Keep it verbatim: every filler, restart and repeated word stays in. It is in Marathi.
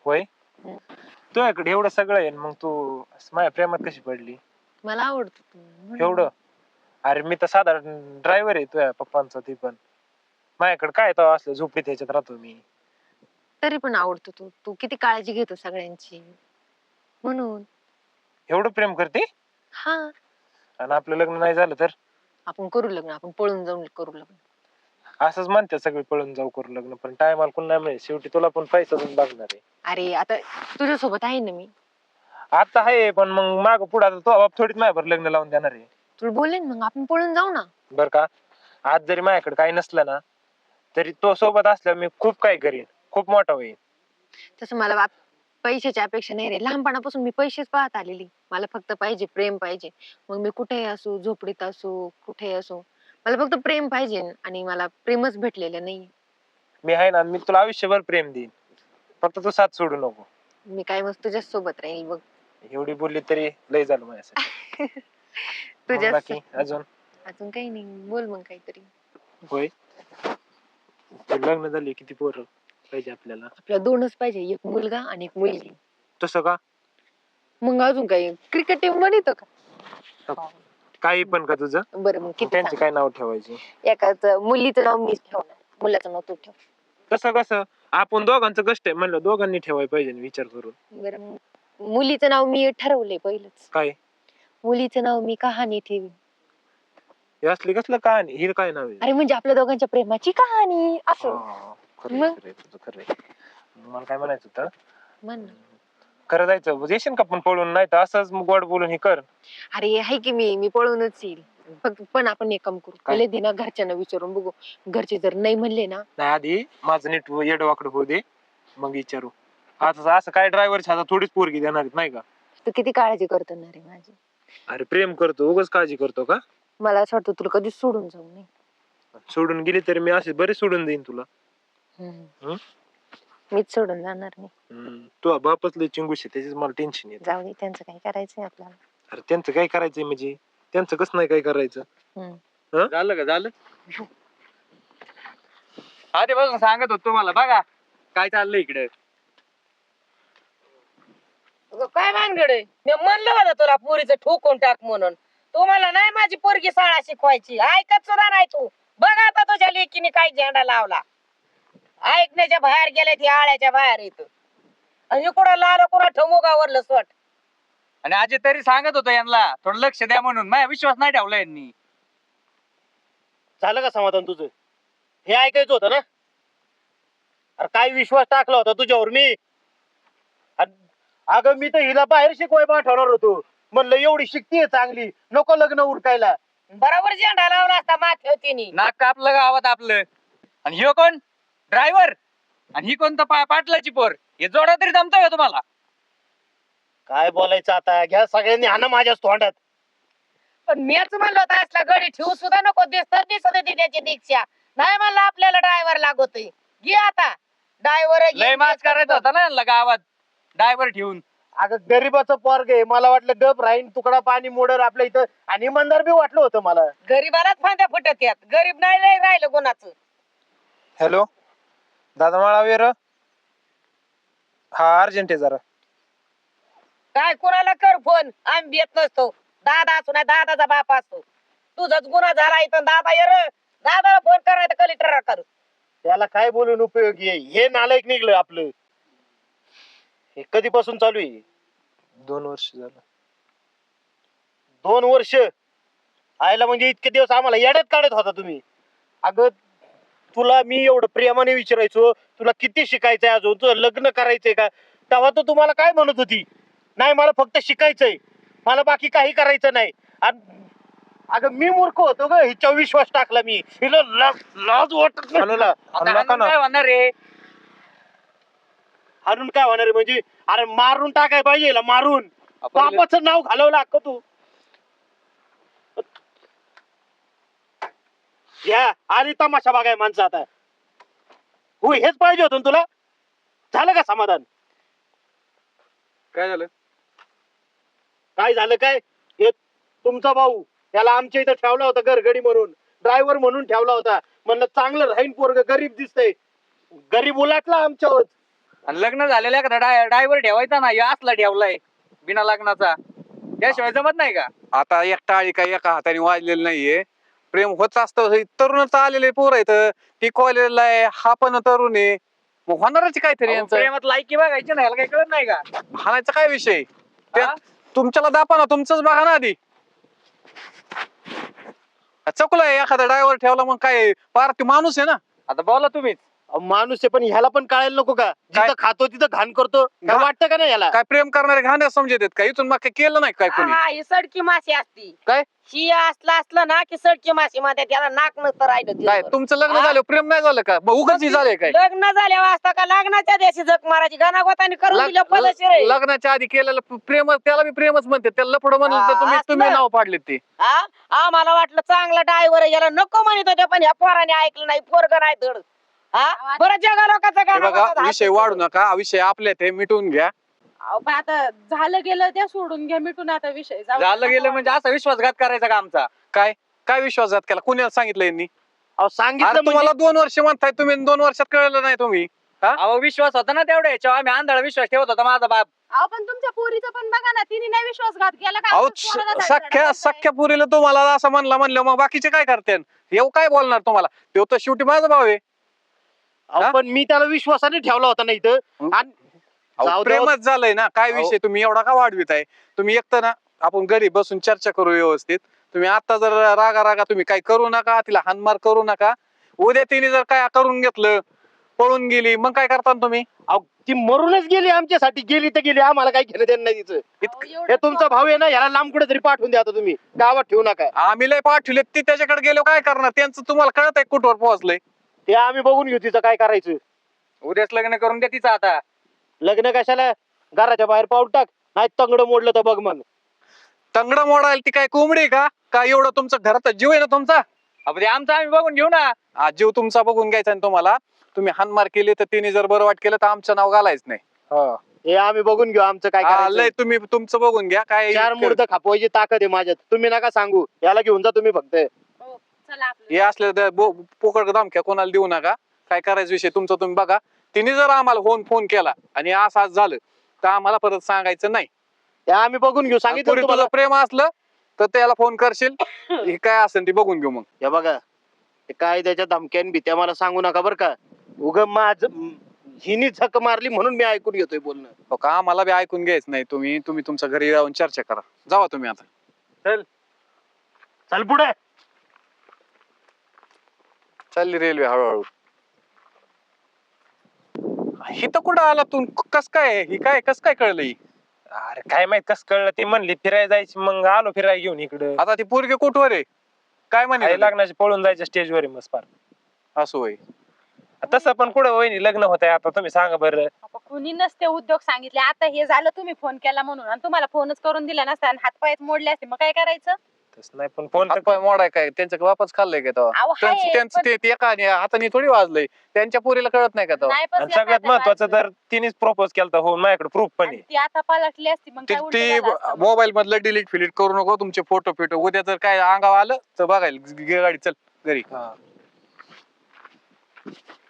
होय हम्म. तुझ्याकडे एवढं सगळं आहे मग तू माझ्या प्रेमात कशी पडली मला आवडतो तू म्हणून. एवढं? अरे मी तर साधारण ड्रायव्हर आहे तुझ्या पप्पांचा ती पण माझ्याकडे काय तो असलं झोपडीत ह्याच्यात राहतो मी. तरी पण आवडतो तू तू किती काळजी घेतो सगळ्यांची म्हणून. एवढं प्रेम करते हा आणि आपलं लग्न नाही झालं तर? आपण करू लग्न, आपण पळून जाऊन करू लग्न. असंच म्हणते सगळे पळून जाऊ करू लग्न पण टायमाला कोण नाही मिळेल शेवटी तुला पण पैसा देऊन बघणार आहे. अरे आता तुझ्या सोबत आहे ना मी. आता आहे पण मग माग पुढे आता तो बाप थोडीच माझ्यावर लग्न लावून देणार आहे. तुला बोलेन मग आपण पळून जाऊ ना. बर का आज जरी माझ्याकडे काही नसलं ना तरी तो सोबत असल्यावर मी खूप काही करीन, खूप मोठा होईल. तसं मला बाप पैशाची अपेक्षा नाही रे, लहानपणापासून मी पैसेच पाहत आलेली. मला फक्त पाहिजे प्रेम पाहिजे. मग मी कुठेही असू, झोपडीत असू, कुठेही असू, मला फक्त प्रेम पाहिजे आणि मला प्रेमच भेटलेलं नाही. मी आहे ना, मी तुला आयुष्यभर प्रेम देईन, फक्त तू साथ सोडू नको. मी काय मस्त तुझ्याच सोबत राहील बघ. एवढी बोलली तरी लय झालं माझ्यासाठी. मग तुझ्या बाकी अजून? अजून काही नाही, बोल मग काहीतरी. होय तू लग्न झाले किती पोरं पाहिजे आपल्याला? आपल्याला दोनच पाहिजे, एक मुलगा आणि एक मुलगी. तसं का? मग अजून काही क्रिकेट टीम बनवतो का? काही पण का तुझं? बरं मग किती त्यांचे काय नाव ठेवायचे? एकाच मुलीचं नाव मीच ठेवणार, मुलाचं नाव तू ठेव. तसं कसं? आपण दोघांचं कष्ट आहे म्हणलं दोघांनी ठेवायला पाहिजे ना विचार करून. बरं मग मुलीचं नाव मी ठरवलंय पहिलंच. काय? मुलीचं नाव मी कहाणी ठेवी. हे असली कसलं कहाणी? हिर काय नाव आहे? अरे म्हणजे आपल्या दोघांच्या प्रेमाची कहाणी असं. हा, खरंय, मग? खरंय, तुझं खरंय. मला काय म्हणायचं होतं, म्हण ना. खरं जायचं येशील का पण पळून, नाही तर असंच गोड बोलून हे कर. अरे आहे की मी मी पळूनच येईल. फक्त पण आपण एक काम करू, काय? पहिले दिना घरच्यांना विचारून बघू. घरचे जर नाही म्हणले ना, नाही आधी माझं नीट येडवाकडं होऊ दे मग विचारू. आता असं काय ड्रायव्हरच्या हातात थोडीच पोरगी देणार आहेत, नाही का? तू किती काळजी करतो ना रे माझी. अरे प्रेम करतो उगाच काळजी करतो का? मला असं वाटतं तुला कधीच सोडून जाऊ नये. सोडून गेली तरी मी असे बरे सोडून देईन तुला. हम्म. हं? मीच सोडून जाणार नाही. हम्म. तू बापच लय चिंगूश आहे त्याच्याच मला टेन्शन येत. जाऊ दे, त्यांचं काही करायचंय आपल्याला. अरे त्यांचं काय करायचंय म्हणजे? त्यांचं कसं नाही काय करायचं? हम्म. हं? झालं का झालं? आधीपासून सांगत होतो तुम्हाला, बघा काय चाललंय इकडे. काय भानगडे? मी म्हणलं होतं तुला पोरीचं ठोकून टाक म्हणून. तुम्हाला नाही माझी पोरगी शाळा शिकवायची, ऐकत सुद्धा नाही तू. बघ आता तुझ्या लेकीने काय झेंडा लावला. ऐकण्याच्या बाहेर गेले ती आळ्याच्या बाहेर येत आणि कुणा लाल कुणा ठमोगावरलं सोट. आणि आजी तरी सांगत होतो यांना थोडं लक्ष द्या म्हणून, माझा विश्वास नाही ठेवला यांनी. झालं का समाधान तुझं? हे ऐकायचं होतं ना? अरे काय विश्वास टाकला होता तुझ्यावर मी. अन- अगं मी तर हिला बाहेर शिकवाय पाठवणार होतो. म्हणलं एवढी शिकतीये चांगली, नको लग्न उरकायला. बरोबर झेंडा लावला असता माथ्यावर तिने. नाक कापलं गावात आपलं. आणि ह्यो कोण? ड्रायव्हर. आणि ही कोणतं पा पाटलाची पोर. हे जोडा तरी जमतोय का तुम्हाला? काय बोलायचं आता, घ्या सगळ्यांनी हाना माझ्याच तोंडात. पण मीच म्हणलं होतं असला गडी ठेवू सुद्धा नको, दिसत दिसत होती त्याची दीक्षा. नाही म्हणलं आपल्याला ड्रायव्हर लागतोय. घे आता ड्रायव्हर. लय माच करायचा होता ना यांना गावात ड्रायव्हर ठेवून. अगं गरीबाचं पोरग आहे, मला वाटलं गप राहीन तुकडा पाणी मोडर आपल्या इथं, आणि इमानदार बी वाटलं होतं मला. गरीबालाच फांद्या फुटत यात, गरीब नाही लय राहिलं कोणाचं. हॅलो दादा माळावीर, हा अर्जंट आहे जरा. काय कोणाला कर फोन, आम्ही येत नसतो. दादा असू नाही दादाचा बाप असतो. तुझाच गुन्हा झाला इथं, दादा ये रे. दादाला फोन करायचं कलेक्टर कर. त्याला काय बोलून उपयोगी आहे? हे नालायक निघलं आपलं. हे कधीपासून चालू आहे? दोन वर्ष झालं. दोन वर्ष आयला म्हणजे इतके दिवस आम्हाला येड्यात काढत होता तुम्ही. अगं तुला मी एवढं प्रेमाने विचारायचो, तुला किती शिकायचंय अजून, तुझं लग्न करायचंय का? तेव्हा तो तुम्हाला काय म्हणत होती? नाही मला फक्त शिकायचंय, मला बाकी काही करायचं नाही. अगं मी मूर्ख होतो ग, हिच्या विश्वास टाकला मी. हिला लाज लाज वाटत नाही तुला? आता हाणून काय होणार रे? हारून काय होणार आहे म्हणजे? अरे मारून टाकाय पाहिजे हिला, मारून. आपण बापाचं नाव घालवलं अक्क तू. या आणि तमाशा बघाय माणसं आता. हो हेच पाहिजे होतं ना तुला? झालं का समाधान? काय झालं? काय झालं काय? हे तुमचा भाऊ, त्याला आमच्या इथं ठेवला होता घरगडी म्हणून, ड्रायव्हर म्हणून ठेवला होता. म्हणलं चांगलं राहीन पोरग, गरीब दिसतंय. गरीब उलाटला आमच्यावर. आणि लग्न झालेल्या एखादा ड्रायव्हर ठेवायचा ना या असला ठेवलाय बिना लग्नाचा, त्याशिवाय जमत नाही का? आता एक टाळी काय एका हाताने वाजलेली नाहीये. प्रेम होत असतं. तरुण तर आलेले पोर आहेत, ती कॉलेजला आहे, हा पण तरुण आहे, मग होणारच काहीतरी अहो, यांचं. प्रेमात लायकी बघायची नाही, याला काही कळत नाही का? हाणायचा काय विषय? त्या- हा? तुमच्याला दापा ना, तुमचंच बघा ना आधी. चकुला एखादा ड्रायव्हर ठेवला मग काय पार ती माणूस आहे ना. आता बोला तुम्हीच. अहो, माणूस आहे पण ह्याला पण कळायला नको का? काय? जिथं खातो तिथं घाण करतो, काय घा- वाटतं का नाही याला? काय प्रेम करणारे घाण्या समजत आहेत का? इथून मग काय केलं नाही काय कोणी? हा, ही सडकी माशी असती. काय? ही असलं असलं ना की सडकी माशी मध्ये त्याला नाक नसतं राहिलं काय दिवसभर. तुमचं लग्न हा? झालं प्रेम नाही झालं का? मग उगाच झालंय काय? लग्न झाल्यावर असता का लग्नाच्या दिवशी जग मारायची गानागोताने करून लग- दिलं पदशीर आहे. लग्नाच्या आधी केलेलं प्रेम त्याला बी प्रेमच म्हणते. त्याला लपड म्हणलं तर हा, तुम्ही असलं. तुम्ही नाव पाडले ते. हा आम्हाला वाटलं चांगला ड्रायव्हर याला नको म्हणत होते पण ह्या पोराने ऐकलं नाही, पोरग नाही धड. हा बरं जगा लोकांचं हे बघा गाणं विषय वाढू नका, हा विषय आपल्यात आहे, मिटवून घ्या. अहो, पण आता झालं गेलं त्या सोडून घ्या, मिटून आता विषय जाऊ दे. झालं गेलं म्हणजे असा विश्वासघात करायचा का आमचा? काय काय विश्वासात केला? कुणाला सांगितलं यांनी? अहो अरे सांगितलं तुम्हाला म्हणजे दोन वर्ष म्हणताय तुम्ही, दोन वर्षात कळलं नाही तुम्ही. अहो विश्वास होता ना तेवढ्या याच्यावर, आम्ही आंधळा विश्वास ठेवत होता माझा बाप. अहो पण तुमच्या पोरीचा पण बघा ना, तिने नाही विश्वासघात केला का? अहो आमच्या पोराला स- धडधड सख्या करताय. सख्या पुरीला तुम्हाला असं म्हणलं म्हणलं मग बाकीचे काय करते? येऊ काय बोलणार तुम्हाला? तो तर शेवटी माझा भाव आहे. अहो, हा? पण मी त्याला विश्वासाने ठेवला होता ना इथं. आणि अहो, जाऊ दे. प्रेमच झालंय ना. काय अहो. विषय तुम्ही एवढा का वाढवित आहे? तुम्ही एकतर ना आपण घरी बसून चर्चा करू व्यवस्थित. तुम्ही आता जर रागा रागा तुम्ही काय करू नका, तिला हानमार करू नका. उद्या तिने जर काय करून घेतलं, पळून गेली, मग काय करता तुम्ही? अहो, ती मरूनच गेली आमच्यासाठी, गेली तर गेली, आम्हाला काय घेणं देणं नाही तिचं. अहो, एवढं हे तुमचा भाऊ आहे ना, ह्याला लांब कुठे तरी पाठवून द्या आता तुम्ही, गावात ठेवू नका. आम्ही लय पाठवले, ते त्याच्याकडे गेलो काय करणार? त्यांचं तुम्हाला कळत आहे कुठवर पोहोचलंय? ते आम्ही बघून घेऊ तिचं काय करायचं. उद्याच लग्न करून द्या तिचं आता. लग्न कशाला? घराच्या बाहेर पाऊल टाक, नाही तंगड मोडलं तर बघ मग. तंगडं मोडायला ती काय कोंबडी आहे का? काय एवढं तुमचं घरात जीव आहे ना तुमचा? अहो, ते आमचं आम्ही बघून घेऊ ना. हा, जीव तुमचा बघून घ्यायचा ना तुम्हाला. तुम्ही हानमार केली तर तिने जर बरं वाट केलं तर आमचं नाव घालायच नाही. हो. हे आम्ही बघून घेऊ आमचं काय हा, करायचं. लय तुम्ही तुमचं बघून घ्या. काय चार मुर्द खापवायची ताकद आहे माझ्यात, तुम्ही नका सांगू. याला घेऊन जा तुम्ही फक्त. हो, चला आपलं. हे असले तर बो- पोकळ धमक्या कोणाला देऊ नका. काय करायचं विषय तुमचा तुम्ही बघा. तिने जर आम्हाला फोन फोन केला आणि असं असं झालं तर आम्हाला परत सांगायचं नाही. ते आम्ही बघून घेऊ, सांगितलं पुरी ना तुम्हाला. तुझं प्रेम असलं तर त्याला फोन करशील. हे काय असेल ती बघून घेऊ मग. हे बघा, हे काय त्याच्या धमक्यान भीत्या मला सांगू नका बरं का. उग माझ हिनी झक मारली म्हणून मी ऐकून घेतोय बोलणं. हो का? आम्हाला बी ऐकून घ्यायच नाही. तुम्ही तुम्ही तुमच्या घरी जाऊन चर्चा करा. जावा तुम्ही आता. चल पुढे. चालली रेल्वे हळूहळू. ही तर कुठं आला तू? कस काय ही काय कस काय कळलं ही? अरे काय माहित कस कळलं, ते म्हणली फिरायला जायची, मग आलो फिरायला घेऊन इकडं. आता ती पोरगी कुठवर आहे? काय आई म्हणे? लग्नाची पळून जायच्या स्टेजवर मस्त फार. असं होय. तसं पण कुठं वहिनी लग्न होत आहे आता, तुम्ही सांगा बरं. अहो, कुणी नसते उद्योग सांगितले. आता हे झालं तुम्ही फोन केला म्हणून, आणि तुम्हाला फोनच करून दिला नसता आणि हातपायच मोडले असते, मग काय करायचं? तसं नाही पण फोन हातपाय मोडाय काय? त्यांचं वापस खाल्लंय का तेव्हा? अहो, त्यांचं हाय, त्यांचं पण- ते ते एका आणि हाताने थोडी वाजलंय. त्यांच्या पोरीला कळत नाही का तेव्हा? नाही पण आणि ते सगळ्यात आता महत्वाचं वाचलं. तर तिनेच प्रपोज केलता हो, माझ्याकडे प्रूफ पण आणि आहे. ती आता पलटली असती मग ती काय उलटं ती झालं असतं मग. मोबाईल मधलं डिलीट फिलीट करू नको तुमचे फोटो फिटो. उद्या जर काय अंगावर आलं तर बघायला घे गाडी चल घरी. हा.